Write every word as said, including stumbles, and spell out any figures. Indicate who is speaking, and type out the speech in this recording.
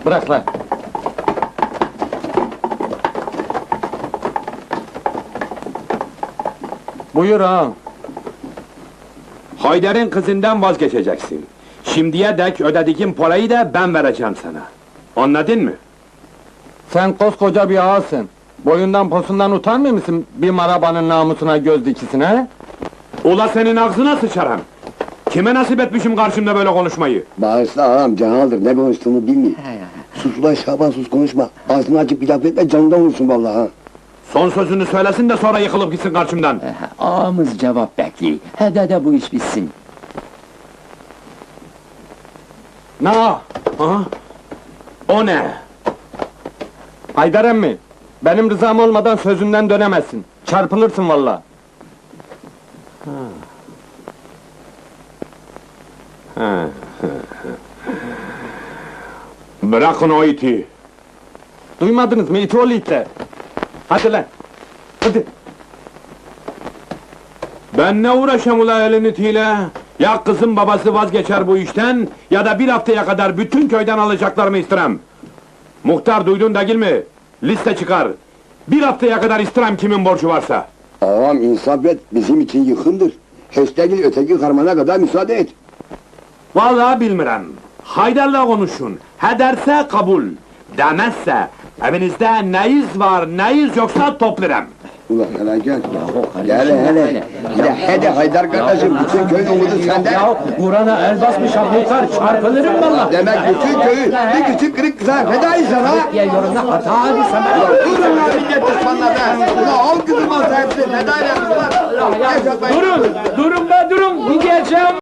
Speaker 1: Bırak lan! Buyur ağam!
Speaker 2: Haydar'ın kızından vazgeçeceksin. Şimdiye dek ödediğim parayı da ben vereceğim sana. Anladın mı?
Speaker 1: Sen koskoca bir ağasın! Boyundan posundan utanmıyor musun bir marabanın namusuna göz dikisine, he?
Speaker 2: Ula senin ağzına sıçarım! Kime nasip etmişim karşımda böyle konuşmayı?
Speaker 3: Bağırsın ağam, canaldır, ne konuştuğunu bilmiyor. Sus ulan Şaban, sus konuşma. Ağzını açıp bir laf etme, canından vursun vallahi ha.
Speaker 2: Son sözünü söylesin de sonra yıkılıp gitsin karşımdan!
Speaker 4: Ağamız cevap bekliyor. Hede de bu iş bitsin.
Speaker 1: Ne ağa?
Speaker 2: Ha? O ne?
Speaker 1: Haydar emmi! Benim rızam olmadan sözünden dönemezsin. Çarpılırsın vallahi.
Speaker 2: Bırakın o iti!
Speaker 1: Duymadınız mı iti oğlu itler? Hadi lan! Hadi!
Speaker 2: Ben ne uğraşam ula elin itiyle? Ya kızın babası vazgeçer bu işten, ya da bir haftaya kadar bütün köyden alacaklarımı istirem! Muhtar duydun değil mi? Liste çıkar! Bir haftaya kadar istirem kimin borcu varsa!
Speaker 3: Ağam insaf et, bizim için yıkımdır. Höstegil öteki karmana kadar müsaade et.
Speaker 2: Vallahi bilmirem! Haydar'la konuşun, he derse kabul! Demezse, evinizde neyiz var, neyiz yoksa toplarım!
Speaker 3: Ulan hele gel. Gel hele. Hele hede Haydar kardeşim, bütün köyün umudu sende.
Speaker 4: Burana el basmış muhtar, çarpılırım valla!
Speaker 3: Demek bütün köyü bir küçük kırık kıza fedayız ha.
Speaker 4: Diye yorumda hata abi sana!
Speaker 3: Durun lan millet düşmanlar be! Ulan on kızım olsa hepsi fedayla ulan!
Speaker 4: Durun! Durun be durun! Gideceğim!